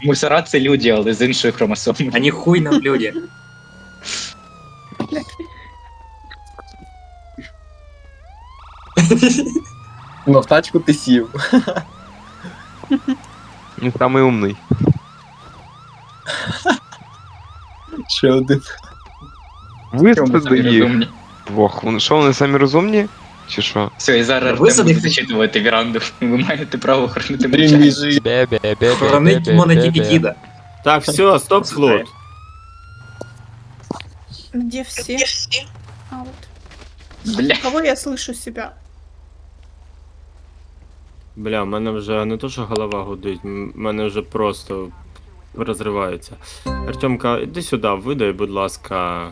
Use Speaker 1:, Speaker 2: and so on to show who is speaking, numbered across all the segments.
Speaker 1: Мусора це люди, але з іншою хромосомою.
Speaker 2: Они хуй на блюде.
Speaker 3: Ну, в тачку ти сів.
Speaker 4: Він самий умний.
Speaker 3: Ще один.
Speaker 4: Висади їх
Speaker 1: Розумні.
Speaker 4: двох. Що, вони самі розумні? Чи що?
Speaker 1: Все, і зараз
Speaker 2: Ви
Speaker 1: Артем буде
Speaker 2: садите?
Speaker 1: зачитувати віранду. Ви маєте право охоронити
Speaker 3: Блін,
Speaker 1: мовчання.
Speaker 3: біжи.
Speaker 2: Хоронить можна тільки діда.
Speaker 5: Так, все, стоп, флот.
Speaker 6: Где все? А вот.
Speaker 1: Бля.
Speaker 6: Кого я слышу себя?
Speaker 5: Бля, в мене вже не то, що голова гудить, в мене вже просто розривається. Артемка, іди сюди, видай, будь ласка.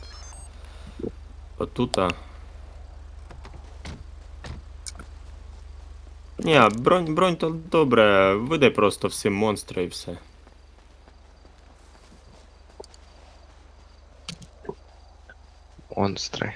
Speaker 5: Отута. Ні, бронь то добре, видай просто всі монстри і все.
Speaker 4: Монстри.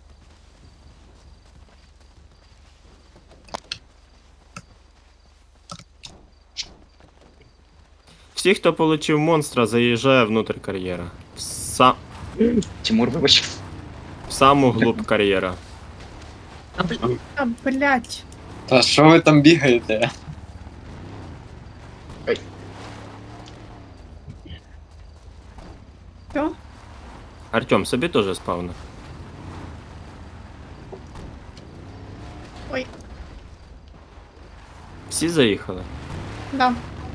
Speaker 5: Всі, хто отримав монстра, заїжджає внутрь кар'єра.
Speaker 1: Тимур, вибач.
Speaker 5: В саму глубь кар'єра.
Speaker 6: А, блядь.
Speaker 3: Та що ви там бігаєте?
Speaker 6: Все?
Speaker 5: Артем, собі теж спавна.
Speaker 6: Ой.
Speaker 5: Всі заїхали?
Speaker 6: Да.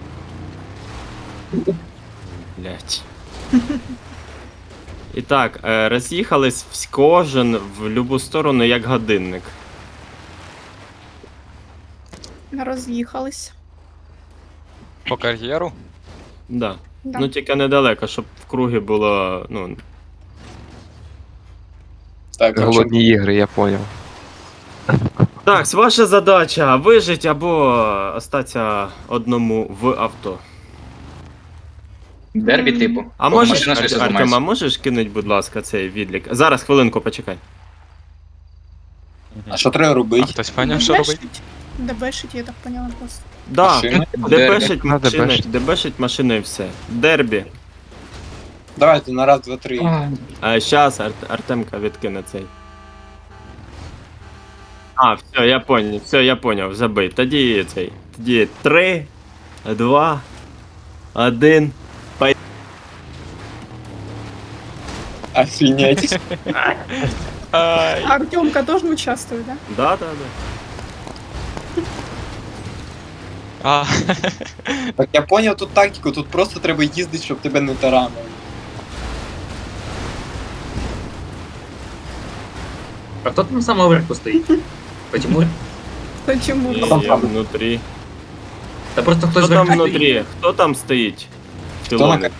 Speaker 5: Блять. І так, роз'їхались кожен в любу сторону, як годинник.
Speaker 6: Роз'їхались.
Speaker 7: По кар'єру?
Speaker 5: Да.
Speaker 6: Да.
Speaker 5: Ну тільки недалеко, щоб в кругі було, ну.
Speaker 3: Так,
Speaker 4: Голодні ігри, я поняв.
Speaker 5: Так, ваша задача вижити або остатися одному в авто.
Speaker 1: Дербі, типу.
Speaker 5: А
Speaker 1: Бо
Speaker 5: можеш,
Speaker 1: машина щось
Speaker 5: Артем, а
Speaker 1: зламається.
Speaker 5: можеш кинуть, будь ласка, цей відлік? Зараз, хвилинку, почекай.
Speaker 3: А що треба
Speaker 7: А
Speaker 3: робити?
Speaker 7: хтось поняв, що робить?
Speaker 6: Дебешить, я так поняла просто.
Speaker 5: Да,
Speaker 3: Машини?
Speaker 5: дебешить
Speaker 4: Надо
Speaker 5: машини,
Speaker 4: дебешить.
Speaker 5: дебешить машини і все. Дербі.
Speaker 3: Давайте на раз, два, три.
Speaker 5: А щас Артемка відкине цей. А, все, я поняв, забий. Тоді цей. Тоді 3, 2, 1.
Speaker 3: Офігеть.
Speaker 7: Ай.
Speaker 6: Артемка тоже участвует, да?
Speaker 5: Да.
Speaker 7: А,
Speaker 3: Так я поняв тут тактику, тут просто треба їздити, щоб тебе не таранили.
Speaker 2: А кто там самого верху стоит? Почему?
Speaker 6: Почему?
Speaker 5: І
Speaker 3: там
Speaker 5: я
Speaker 3: там?
Speaker 5: внутрі.
Speaker 2: Да просто кто
Speaker 5: Хто
Speaker 2: же
Speaker 5: там
Speaker 2: верху стоит?
Speaker 5: внутрі? Хто там стоїть?
Speaker 3: Хто на
Speaker 5: Пілони.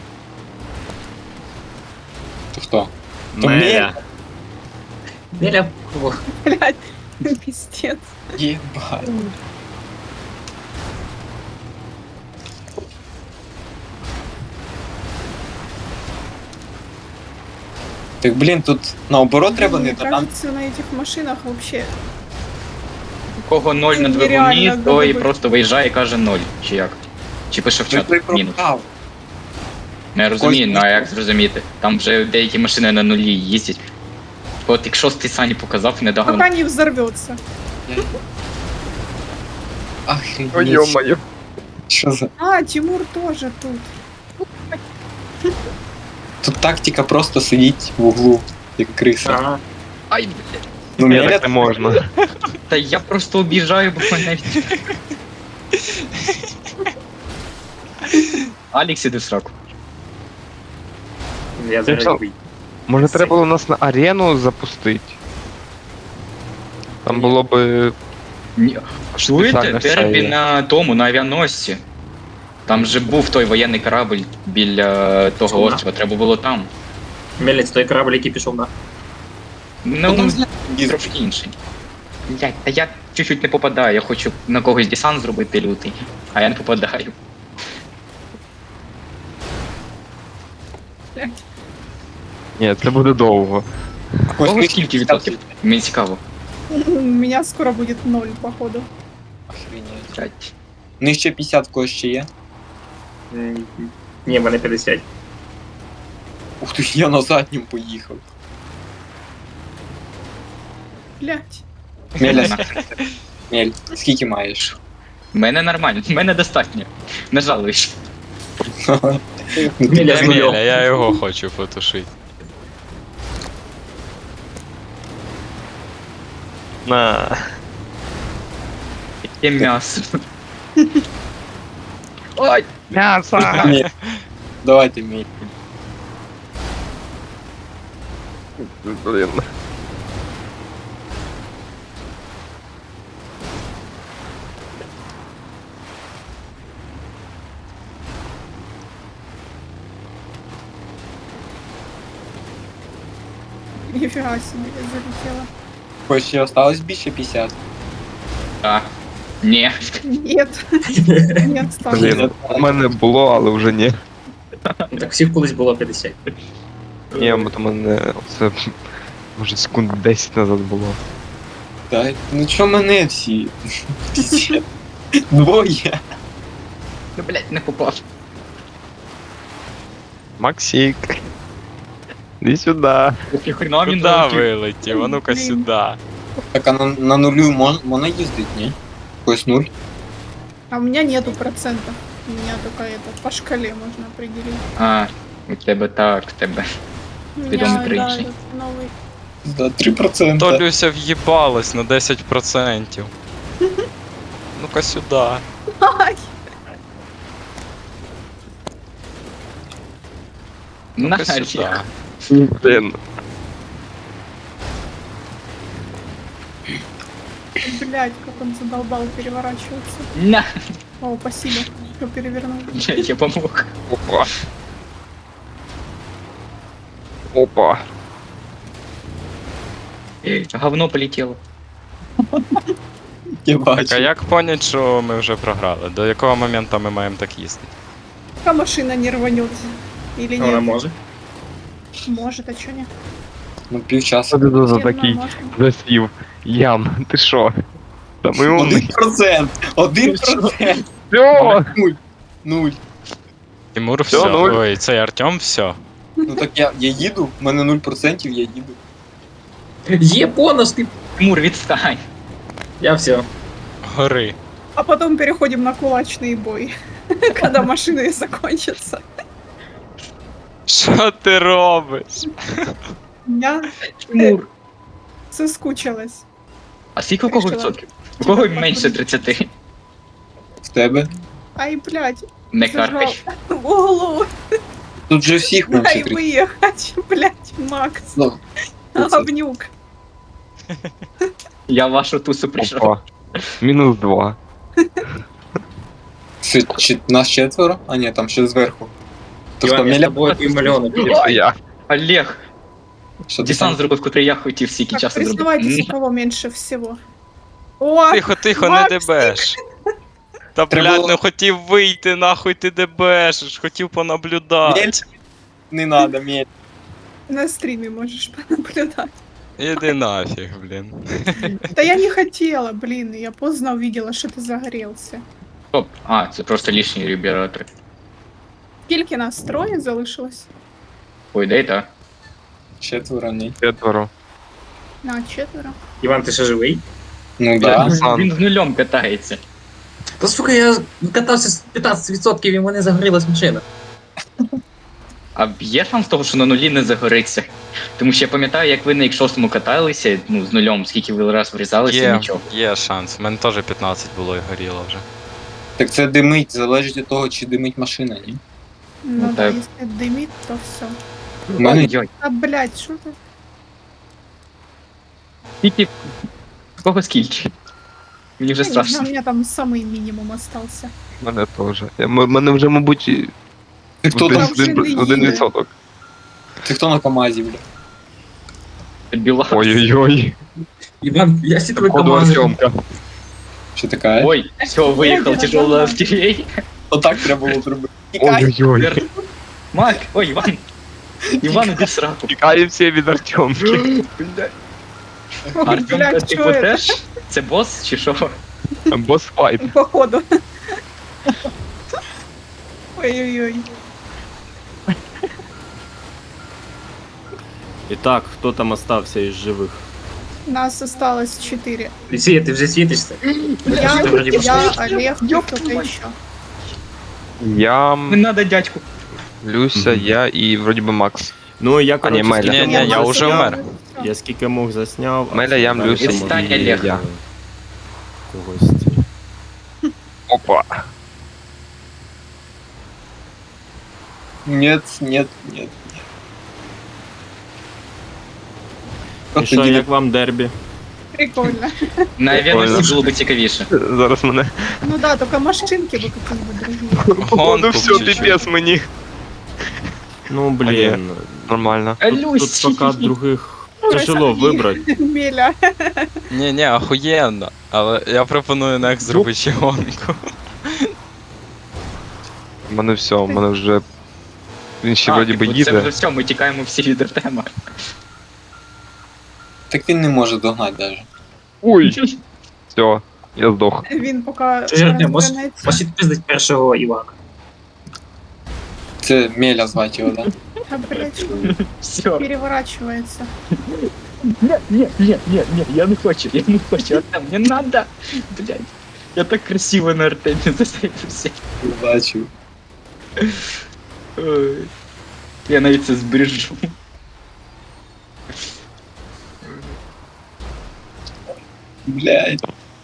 Speaker 3: То хто? То
Speaker 5: Меля.
Speaker 2: Меля.
Speaker 6: Блядь, пиздец.
Speaker 3: Єбать. Так блін, тут наоборот треба не
Speaker 6: Мне
Speaker 3: таранити.
Speaker 6: кажется, на этих машинах вообще...
Speaker 1: У кого 0 на
Speaker 6: Нереально
Speaker 1: двигуні, той
Speaker 6: добити.
Speaker 1: просто виїжджає і каже 0. Чи як? Чи пише в
Speaker 3: Ти
Speaker 1: чат мінус.
Speaker 3: програв.
Speaker 1: Не розумію,
Speaker 3: Кось-
Speaker 1: ну а як зрозуміти? Там вже деякі машини на нулі їздять. От якщо ти Сані показав недавно.
Speaker 6: Пока не взорвется.
Speaker 3: Охренеть.
Speaker 4: Ой, ё-моё.
Speaker 3: Що за...
Speaker 6: А, Тимур тоже тут.
Speaker 3: Тут тактика просто сидіть в углу, як криса.
Speaker 2: Ага.
Speaker 1: Ай, блядь.
Speaker 3: Ну,
Speaker 4: Ні,
Speaker 3: Меля
Speaker 4: так не можна.
Speaker 1: Та я просто об'їжджаю, бо мене... Алікс, іди в сраку.
Speaker 2: Я
Speaker 4: Ти що?
Speaker 2: зараз выйду.
Speaker 4: Може треба було нас на арену запустити? Там було би...
Speaker 1: Ні. Чуєте?
Speaker 4: Спеціально
Speaker 1: Дербі
Speaker 4: все є.
Speaker 1: на тому, на авіаносці. Там же був той воєнний корабль біля того
Speaker 2: Чума.
Speaker 1: острова, треба було там.
Speaker 2: Мелец, той корабль, який пішов на.
Speaker 1: Ну,
Speaker 3: там
Speaker 1: трошки інший. Та я чуть-чуть не попадаю, я хочу на когось десант зробити лютий, а я не попадаю.
Speaker 4: Ні, це буде довго.
Speaker 1: Кого скільки відсотків? Мені цікаво.
Speaker 6: У меня скоро будет 0, походу.
Speaker 3: Охренеть.
Speaker 1: Блядь.
Speaker 3: Ну і ще 50 в когось ще є.
Speaker 2: Ні, в мене 50.
Speaker 3: Ух ти, я на заднім поїхав.
Speaker 6: Блять.
Speaker 3: Меля, Мель, скільки маєш?
Speaker 1: В мене нормально, в мене достатньо. Не жалуюсь.
Speaker 3: Ну, ти
Speaker 2: Меля з
Speaker 7: Еміля,
Speaker 2: нульом.
Speaker 7: я його хочу потушити.
Speaker 4: На.
Speaker 1: Яке м'ясо. Ой,
Speaker 4: М'ясо!
Speaker 3: Мель. Давайте, Мель.
Speaker 4: Блін.
Speaker 6: Нифига себе, я залетела.
Speaker 3: Хоч ще осталось більше 50.
Speaker 1: а. Ні.
Speaker 6: Нет. Нет, стало.
Speaker 4: Блін, у мене було, але вже ні.
Speaker 2: Ну, так всіх колись було 50.
Speaker 4: Ні, бо то мене це може секунд 10 назад було.
Speaker 3: Так, ну чо мене всі? Двоє.
Speaker 1: Ну, блядь, не попав.
Speaker 4: Максик. Іди сюди.
Speaker 1: Ох, хрена він
Speaker 7: Куди
Speaker 1: залетів.
Speaker 7: вилетів? А ну-ка
Speaker 6: Блін.
Speaker 7: сюди.
Speaker 3: Так, а на нулю можна їздить, ні? Ось нуль.
Speaker 6: А у меня нету процентов. У меня только это по шкале можно определить.
Speaker 1: А, у тебе так, в тебе.
Speaker 6: У
Speaker 1: Ты
Speaker 6: меня,
Speaker 1: дом
Speaker 6: да,
Speaker 1: кричи.
Speaker 6: этот новый.
Speaker 3: За 3%.
Speaker 7: То Люся в'їбалась на 10%. Ну-ка сюди.
Speaker 6: Ай,
Speaker 1: На,
Speaker 7: Ну-ка сюди.
Speaker 4: Блін.
Speaker 6: блядь, как он задолбал переворачиваться.
Speaker 1: на.
Speaker 6: О, спасибо, что перевернул.
Speaker 1: Я помог.
Speaker 4: Опа. Опа.
Speaker 1: Говно полетело.
Speaker 3: Я
Speaker 7: Так, а
Speaker 3: бачу.
Speaker 7: як понять, що ми вже програли? До якого моменту ми маємо так їздити?
Speaker 6: Пока машина не рванет. Или
Speaker 2: Вона
Speaker 6: нет?
Speaker 2: може.
Speaker 6: Может, а чё нет?
Speaker 3: Ну півчаса.
Speaker 4: Що ти за
Speaker 6: Всем
Speaker 4: такий
Speaker 6: можно.
Speaker 4: засів? Ян, ти що? Та ми умний.
Speaker 3: 1%! 1%!
Speaker 4: Всьо!
Speaker 3: Нуль. Нуль.
Speaker 7: Тимур,
Speaker 4: Всьо,
Speaker 7: все.
Speaker 4: нуль.
Speaker 7: Ой, цей Артем, все.
Speaker 3: Ну так я їду, в мене 0%, я їду.
Speaker 2: Є бонус, ти.
Speaker 1: Тимур, відстань.
Speaker 2: Я все.
Speaker 7: Гори.
Speaker 6: А потом переходим на кулачный бой. Когда машины закончатся.
Speaker 7: Що ти робиш?
Speaker 6: Я
Speaker 1: Тимур.
Speaker 6: соскучилась.
Speaker 1: А скільки у кого
Speaker 6: Решила.
Speaker 1: відсотків? У кого менше 30?
Speaker 3: В тебе?
Speaker 6: Ай, блядь,
Speaker 1: Не
Speaker 6: зажал
Speaker 1: каркай.
Speaker 6: в углу.
Speaker 3: Тут же всіх
Speaker 6: Дай
Speaker 3: менше 30.
Speaker 6: выехать, блядь, Макс.
Speaker 3: Ну,
Speaker 6: Говнюк.
Speaker 1: Я в вашу тусу прийшов.
Speaker 4: Опа. Мінус 2.
Speaker 3: це нас четверо? А ні, там ще зверху. То що,
Speaker 2: Іван, я з
Speaker 3: Меля?
Speaker 2: тобою півмільйона.
Speaker 4: Це я.
Speaker 1: Олег,
Speaker 3: Що ти
Speaker 1: десант
Speaker 3: там?
Speaker 1: зробив, котрий я хотів стільки
Speaker 6: Так,
Speaker 1: часу зробити.
Speaker 6: признавайтесь, у кого меньше всего. О,
Speaker 7: Тихо, тихо, не
Speaker 6: Максик!
Speaker 7: дебеш. Та
Speaker 3: Треба
Speaker 7: блядь,
Speaker 3: було-
Speaker 7: не хотів вийти, нахуй ти дебешиш, хотів понаблюдати.
Speaker 3: Мель? Не надо, Мель.
Speaker 6: на стриме можешь понаблюдать.
Speaker 7: Іди нафіг, блін.
Speaker 6: Да я не хотела, блин, я поздно увидела, что ты загорелся.
Speaker 1: Стоп. А, це просто лишні ребята.
Speaker 6: Скільки нас троє залишилось?
Speaker 1: Ой, дай так.
Speaker 3: Четверо, ні.
Speaker 4: Четверо.
Speaker 6: На, четверо.
Speaker 2: Іван, ти ще живий?
Speaker 3: Ну да.
Speaker 4: Десант.
Speaker 1: Він з нульом катається.
Speaker 2: Та сука, я катався з 15% і в мене загорілась машина.
Speaker 1: А є шанс того, що на нулі не загориться? Тому що я пам'ятаю, як ви на X6 каталися, ну, з нульом, скільки ви раз врізалися, нічого.
Speaker 7: Є шанс. У мене теж 15 було і горіло вже.
Speaker 3: Так це димить, залежить від того, чи димить машина, ні?
Speaker 6: Ну да,
Speaker 1: так.
Speaker 6: если дымит, то все.
Speaker 3: У мене
Speaker 1: Ой-ой,
Speaker 6: А, блядь, что ты?
Speaker 1: скільки... В кого скільки? Мені вже
Speaker 6: Я не знаю,
Speaker 1: страшно.
Speaker 6: у меня там самый минимум остался.
Speaker 4: Мене теж. Мене вже, мабуть, і
Speaker 3: Ти хто
Speaker 6: Там
Speaker 3: там?
Speaker 6: вже не їде.
Speaker 4: 1%.
Speaker 3: Ти хто на КамАЗі, бля?
Speaker 1: Біла.
Speaker 4: Ой-ой-ой.
Speaker 2: Іван, я всі тебе
Speaker 4: Походу
Speaker 2: команди.
Speaker 4: Артемка.
Speaker 3: Що така?
Speaker 1: Ой, все, виїхав тяжелий артилерій.
Speaker 3: Отак треба було зробити. Тікай!
Speaker 4: Ой-ой-ой.
Speaker 1: Мак, ой, Іван. Іван, іди в сраку.
Speaker 4: Тікаємо всі від Артемки.
Speaker 6: Ой,
Speaker 1: Артем,
Speaker 6: блядь,
Speaker 1: ти
Speaker 6: что это?
Speaker 1: теж? Це бос чи що?
Speaker 4: Босс файт.
Speaker 6: Походу. Ой-ой-ой.
Speaker 5: І так, хто там остався із живих?
Speaker 6: Нас осталось 4.
Speaker 2: Люсія, ти вже світишся?
Speaker 6: Я,
Speaker 2: Ти вроді
Speaker 6: я, Олег, кто-то еще.
Speaker 4: Я,
Speaker 1: Не надо дядьку.
Speaker 4: Люся, я і вроді би Макс.
Speaker 5: Ну, я,
Speaker 4: А, ні,
Speaker 5: коротше,
Speaker 4: Меля.
Speaker 5: скільки
Speaker 7: Ні,
Speaker 5: мог
Speaker 7: я уже
Speaker 5: засняв.
Speaker 7: вмер.
Speaker 5: Я скільки мог засняв. а
Speaker 4: Меля, я,
Speaker 5: далі
Speaker 4: Люся
Speaker 5: там
Speaker 1: Відстань,
Speaker 5: і
Speaker 1: Олег.
Speaker 4: я.
Speaker 5: Когось.
Speaker 4: Опа.
Speaker 3: Нет, нет, нет.
Speaker 5: І
Speaker 3: Просто
Speaker 5: що,
Speaker 3: їде-
Speaker 5: як вам дербі?
Speaker 6: Прикольно.
Speaker 1: На
Speaker 4: Прикольно.
Speaker 1: авіаносці було б цікавіше.
Speaker 4: Зараз мене.
Speaker 6: Ну да, только машинки бы какие-нибудь другие.
Speaker 4: Походу, все,
Speaker 7: чуть-чуть.
Speaker 4: піпець мені.
Speaker 5: Ну, блін.
Speaker 4: Нормально.
Speaker 5: Тут
Speaker 1: Люсі.
Speaker 5: пока других
Speaker 6: Ой,
Speaker 5: тяжело
Speaker 6: Сергій.
Speaker 5: вибрати.
Speaker 6: Меля.
Speaker 7: Ні, охуєнно. Але я пропоную next зробити ще гонку.
Speaker 4: У мене все, у мене вже. Він ще вроді би
Speaker 1: Це вже
Speaker 4: їде.
Speaker 1: все, ми тікаємо всі від Артема.
Speaker 3: Так він не може догнати даже.
Speaker 4: Ой, все, я здох.
Speaker 6: Він поки
Speaker 2: Ти ж Артем,
Speaker 6: розвернеться.
Speaker 2: можеш відпиздить першого Івана.
Speaker 3: Це Меля звати його, да?
Speaker 6: А, блядь,
Speaker 1: Все.
Speaker 6: переворачивается.
Speaker 1: Ні, я не хочу, Артем, не надо. Блядь. Я так красиво на Артемі засейвився.
Speaker 3: Бачив.
Speaker 1: Ой. Я навіть це збережу.
Speaker 3: Блядь.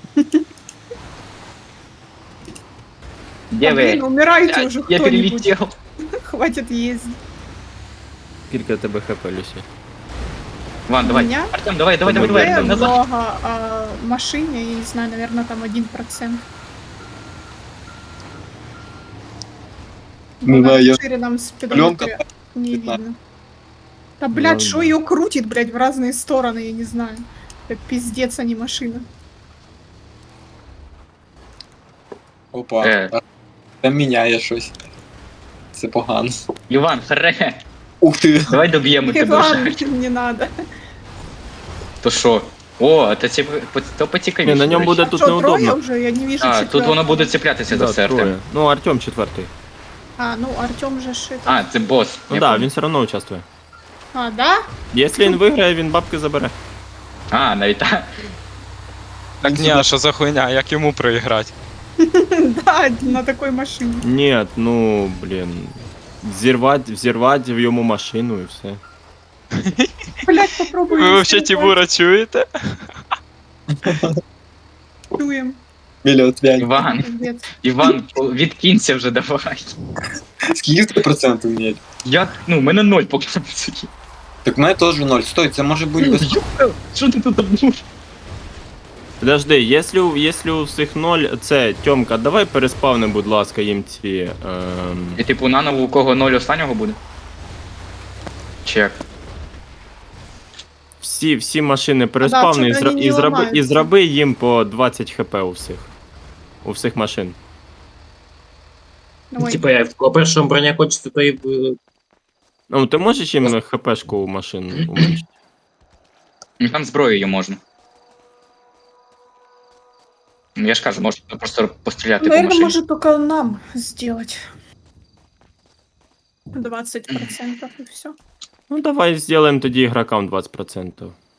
Speaker 1: Де
Speaker 6: Да, блин,
Speaker 1: ви?
Speaker 6: умирайте уже
Speaker 1: Я
Speaker 6: кто-нибудь.
Speaker 1: перелетел.
Speaker 6: Хватит ездить.
Speaker 5: Скільки у тебе хп, Люсі?
Speaker 1: Ван, давай.
Speaker 6: Меня?
Speaker 1: Артем, давай,
Speaker 6: Мне
Speaker 1: Артем, назад.
Speaker 6: много, а машине, я не знаю, наверное, там 1%.
Speaker 3: Ну да, я-
Speaker 6: Нам
Speaker 3: Пленка
Speaker 6: спидометрия не
Speaker 3: 15.
Speaker 6: видно. Да, блядь,
Speaker 5: Ну,
Speaker 6: что
Speaker 5: да.
Speaker 6: ее крутит, блядь, в разные стороны, я не знаю. Это пиздец, а не машина.
Speaker 3: Опа. Там міняє щось. Це погано.
Speaker 1: Іван, харе.
Speaker 3: Ух ти.
Speaker 1: Давай доб'ємо тебе
Speaker 6: Иван,
Speaker 1: вже.
Speaker 6: не надо.
Speaker 1: То що? О, то поцікавіше.
Speaker 5: Ні, на ньому
Speaker 1: до речі.
Speaker 5: буде тут
Speaker 6: Что, трое
Speaker 5: неудобно.
Speaker 6: уже? Я не вижу
Speaker 1: А, тут воно
Speaker 6: четвертого.
Speaker 1: буде цеплятися за
Speaker 5: Да,
Speaker 1: все, Артем.
Speaker 5: троє. Ну, Артем четвертий.
Speaker 6: А, ну Артем же шит.
Speaker 1: А, це бос.
Speaker 5: Ну
Speaker 1: Я
Speaker 5: так,
Speaker 1: понял.
Speaker 5: він все одно участвує.
Speaker 6: А, да?
Speaker 5: Якщо він виграє, він бабки забере.
Speaker 1: А, навіть так.
Speaker 7: Так ні, а що за хуйня, як йому проіграти?
Speaker 6: Да, на такой машине.
Speaker 5: Ні, ну, блін. Взірвати в йому машину і все.
Speaker 6: Блять, попробуй.
Speaker 7: Ви взагалі Тимура чуєте?
Speaker 6: Чуем.
Speaker 3: Меля, от п'ять.
Speaker 1: Іван,
Speaker 6: Пиздец.
Speaker 1: Іван, відкинься вже давай.
Speaker 3: Скільки в тебе процентів, Мель?
Speaker 1: У мене 0 поки на суді.
Speaker 3: Так в мене теж 0. Стой, це може бути без...
Speaker 1: Що ти тут обнув?
Speaker 5: Подожди, якщо у всіх 0, це, Тьомка, давай переспавни, будь ласка, їм ці...
Speaker 1: І типу наново у кого 0 останнього буде? Чек.
Speaker 5: Всі машини переспавни
Speaker 6: Да, чого вони не
Speaker 5: і
Speaker 6: ламаються?
Speaker 5: зроби їм по 20 хп у всіх. У всіх машин.
Speaker 6: Ой,
Speaker 2: Типа, я в першому броня хочеться, то і...
Speaker 5: Ну, ти можеш їм хпшку у машин уменьшити?
Speaker 1: Ну там зброєю можна. Ну, я ж кажу, можна просто постріляти по
Speaker 6: наверное,
Speaker 1: машині.
Speaker 6: может только нам сделать. 20% и все.
Speaker 5: Ну, давай зробимо тоді ігрокам 20%.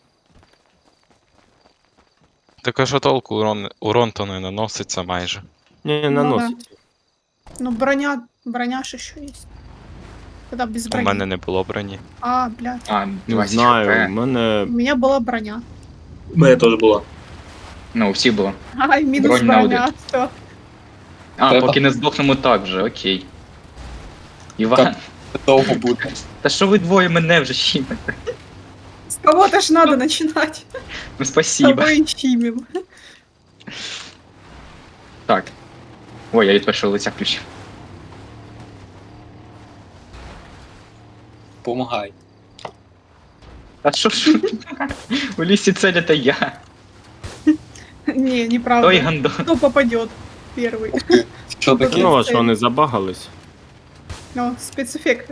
Speaker 7: Так а що толку урон то не наноситься майже.
Speaker 5: Не, наносить.
Speaker 6: Ну, броня ж еще есть. Тогда без
Speaker 7: У
Speaker 6: брони.
Speaker 7: мене не було броні.
Speaker 6: А, блядь.
Speaker 1: А,
Speaker 5: Не
Speaker 1: 20
Speaker 5: знаю, у
Speaker 1: хп.
Speaker 5: мене...
Speaker 6: У меня была броня.
Speaker 2: У мене теж було.
Speaker 1: Ну, всі було.
Speaker 6: Ай, минус
Speaker 1: Бронь на
Speaker 6: броня. Все.
Speaker 1: А,
Speaker 3: Треба.
Speaker 1: поки не здохнемо так же, окей. Іван,
Speaker 3: Так. Довго буде.
Speaker 1: та що ви двоє мене вже щімите?
Speaker 6: С кого-то ж надо начинать.
Speaker 1: Ну
Speaker 6: С
Speaker 1: спасибо.
Speaker 6: тобой щимим.
Speaker 1: Так. Ой, я від першого лиця включив.
Speaker 3: Помагай.
Speaker 1: А що ж? У лісі цель это я.
Speaker 6: Не, неправда.
Speaker 1: Той гандон.
Speaker 6: Кто попадет первый?
Speaker 3: Що таке?
Speaker 5: Ну, а що, вони забагались?
Speaker 6: Ну, спецэффекты.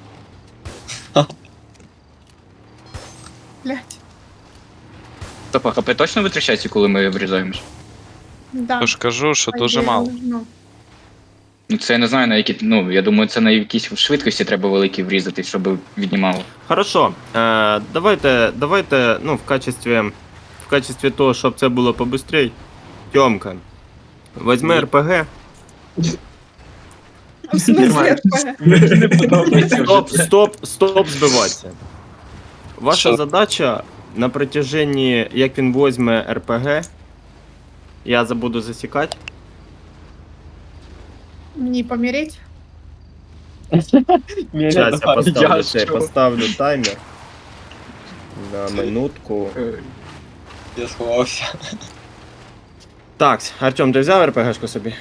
Speaker 6: Блять.
Speaker 1: Стоп, а ХП точно витрачається, коли ми врізаємось?
Speaker 6: Да.
Speaker 7: Тож кажу, що
Speaker 6: по
Speaker 7: дуже
Speaker 6: идее,
Speaker 7: мало.
Speaker 6: должно.
Speaker 1: Ну це я не знаю на які. Ну, я думаю, це на якісь швидкості треба великі врізати, щоб віднімало.
Speaker 5: Хорошо. Давайте, ну, в качестві того, щоб це було побыстрей. Тьомка. Возьми РПГ.
Speaker 6: В смысле, РПГ?
Speaker 5: Стоп збиватися. Ваша
Speaker 3: Що?
Speaker 5: задача на протяженні, як він возьме РПГ, я забуду засікати.
Speaker 6: Не помереть?
Speaker 5: Зараз
Speaker 1: Я що?
Speaker 5: поставлю таймер. На минутку.
Speaker 3: Я сховався.
Speaker 5: Так, Артем, ти взяв РПГшку собі?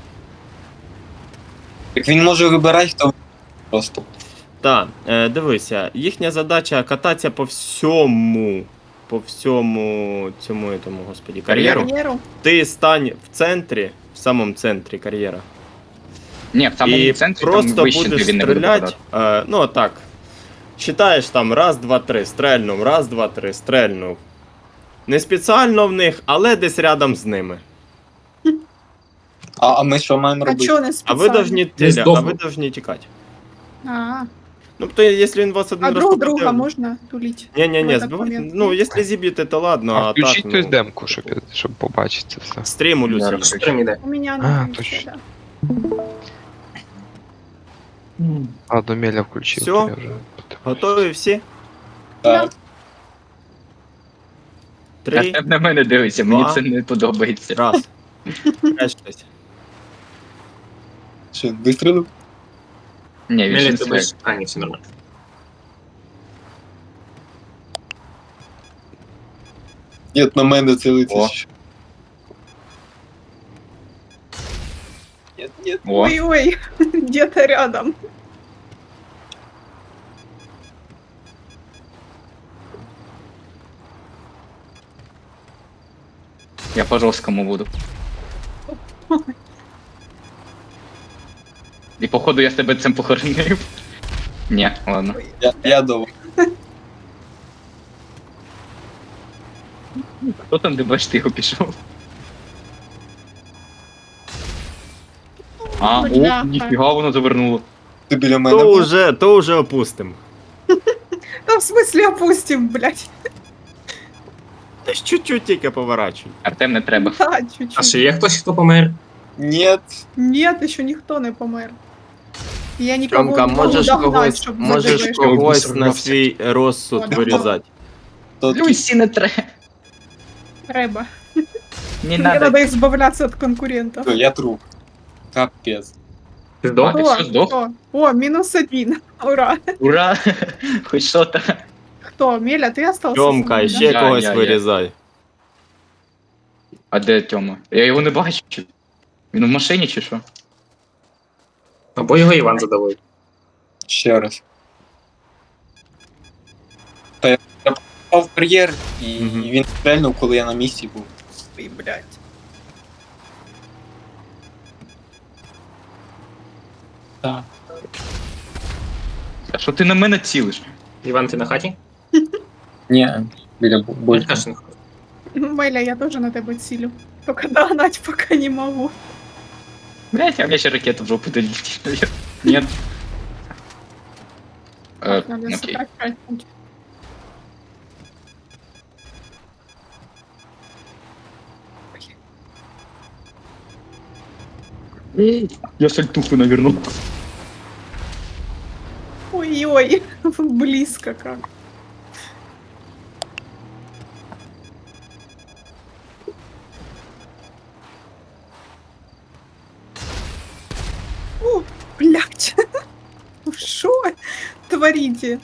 Speaker 3: Так він може вибирати, хто просто.
Speaker 5: Так, дивися, їхня задача кататися по всьому цьому, господі, кар'єру.
Speaker 6: Карьеру?
Speaker 5: Ти стань в центрі, в самому центрі кар'єра.
Speaker 1: Ні, в самому
Speaker 5: І
Speaker 1: центрі
Speaker 5: просто
Speaker 1: там вище
Speaker 5: будеш
Speaker 1: він не буде
Speaker 5: стріляти.
Speaker 1: попадати.
Speaker 5: Ну так. Считаєш там раз, два, три, стрельнув, раз, два, три, стрельнув. Не спеціально в них, але десь рядом з ними.
Speaker 3: А ми що маємо
Speaker 6: А
Speaker 3: робити?
Speaker 6: чё не
Speaker 5: А
Speaker 6: специально?
Speaker 5: ви должні
Speaker 2: здохну.
Speaker 5: тікати.
Speaker 6: А,
Speaker 5: Ну, то якщо він вас
Speaker 6: а
Speaker 5: один раз
Speaker 6: друг
Speaker 5: попаде-
Speaker 6: друга можно тулить?
Speaker 5: Ні-ні-ні,
Speaker 6: в этот
Speaker 5: збивайте.
Speaker 6: момент?
Speaker 5: Ну, якщо зіб'єте, то ладно,
Speaker 4: А
Speaker 5: а
Speaker 4: включіть
Speaker 5: так,
Speaker 4: хтось
Speaker 5: ну,
Speaker 4: демку, щоб побачити це все.
Speaker 5: стрім у Люсі.
Speaker 2: Стрім іде.
Speaker 6: У меня
Speaker 4: А,
Speaker 6: на пульсе,
Speaker 4: точно.
Speaker 6: да.
Speaker 4: Ладно, Меля включив.
Speaker 5: Всё?
Speaker 4: то я вже подивлюсь.
Speaker 5: Готові всі?
Speaker 3: Так.
Speaker 5: 3,
Speaker 1: Артем на мене дивиться, мені
Speaker 5: Два.
Speaker 1: це не подобається.
Speaker 5: раз. Решtось.
Speaker 3: Що, вистрілив?
Speaker 1: Ні, він ще
Speaker 2: Мелі,
Speaker 1: не
Speaker 2: ти
Speaker 1: стріляє.
Speaker 2: будеш... А, ні, все нормально.
Speaker 3: Ні, на мене цілиться.
Speaker 1: О.
Speaker 3: Ні.
Speaker 1: О,
Speaker 6: Ой-ой, где-то рядом.
Speaker 1: я по жорсткому буду. І походу я тебе цим похоронив. Ні, ладно.
Speaker 3: Я довго.
Speaker 1: Хто там, де бачиш, ти його пішов? А,
Speaker 6: Бляха.
Speaker 1: о, ніфіга воно завернуло.
Speaker 3: Ти біля мене.
Speaker 5: То уже опустим.
Speaker 6: Да в смысле опустим, блядь.
Speaker 5: Та ж чуть-чуть тільки поворачуй.
Speaker 1: Артем не треба.
Speaker 6: Да,
Speaker 2: А
Speaker 6: чуть-чуть.
Speaker 2: ще є хтось, хто помер?
Speaker 3: Ні.
Speaker 6: Нет, еще никто не помер. Я никого
Speaker 5: Тьомка,
Speaker 6: не могу догнать, чтобы
Speaker 5: можеш
Speaker 6: забежать.
Speaker 5: когось на свій розсуд
Speaker 6: О,
Speaker 5: вирізати.
Speaker 3: То
Speaker 1: Люсі не треба.
Speaker 6: Рэба.
Speaker 1: Не
Speaker 6: Мне
Speaker 1: надо.
Speaker 6: надо избавляться от конкурентов.
Speaker 3: я труп. Капець.
Speaker 2: Ти здох?
Speaker 1: Ти що, здох?
Speaker 6: Кто? О, -1. Ура.
Speaker 1: Ура! Хоч що-то.
Speaker 6: Кто? Меля, ты остался?
Speaker 5: Тьомка,
Speaker 6: со мной,
Speaker 5: ще
Speaker 1: Я,
Speaker 5: когось
Speaker 1: я.
Speaker 5: вирізай.
Speaker 1: А де Тьома? Я його не бачу. Він в машині чи що?
Speaker 2: Або його Іван задавив.
Speaker 3: Ще раз. Та я попав в кар'єр, і
Speaker 5: Мгм.
Speaker 3: він стрельнув, коли я на місці був.
Speaker 6: да? Ой, блядь.
Speaker 3: Так.
Speaker 1: А що ти на мене цілиш?
Speaker 2: Іван, ти на хаті?
Speaker 3: Ні, біля булька.
Speaker 2: Кажеш, на хаті.
Speaker 6: Меля, я тоже на тебя силю. Только догнать пока не могу.
Speaker 1: Блять, а мне ще ракета в жопу долетит, наверное. Нет.
Speaker 6: Надо
Speaker 1: Окей.
Speaker 6: сокращать путь.
Speaker 1: Я сальтуху навернул.
Speaker 6: Ой-ой, близко как. О, блядь. Шо творите?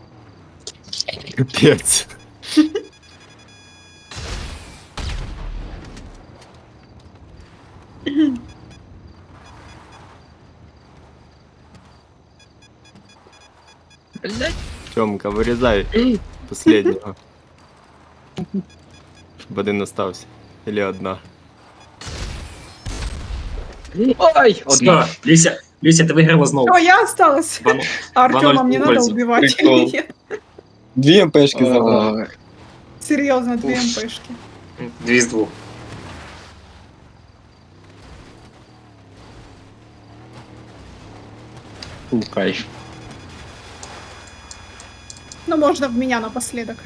Speaker 5: Капець.
Speaker 1: Блять.
Speaker 5: Тьомка, вирізай последнього. Щоб один остався. Или одна.
Speaker 1: Ой, одна.
Speaker 2: Все, Люся, ти виграла знову.
Speaker 6: О, я осталась.
Speaker 2: Ван-
Speaker 6: А Артема
Speaker 2: Ван
Speaker 6: мне надо
Speaker 2: пользу.
Speaker 6: убивать
Speaker 3: Прикол.
Speaker 6: или нет?
Speaker 3: 2 МПшки забрав.
Speaker 1: Ой.
Speaker 6: Серьезно, 2
Speaker 3: Уф.
Speaker 6: МПшки.
Speaker 2: 2 з 2.
Speaker 1: Кайф.
Speaker 6: Ну, можно в меня напоследок.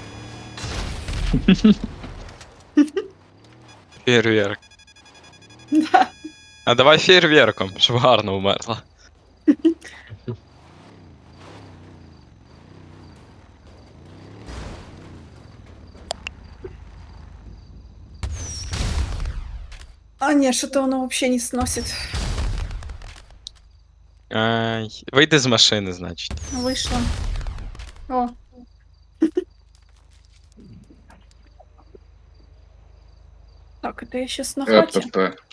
Speaker 7: Фейерверк.
Speaker 6: Да.
Speaker 7: А давай фейерверком, щоб гарно вмерла.
Speaker 6: А не, что-то оно вообще не сносит.
Speaker 7: Ай, вийди з машини, значить.
Speaker 6: Вышла. О. Так, это я сейчас на хате.
Speaker 1: ПП.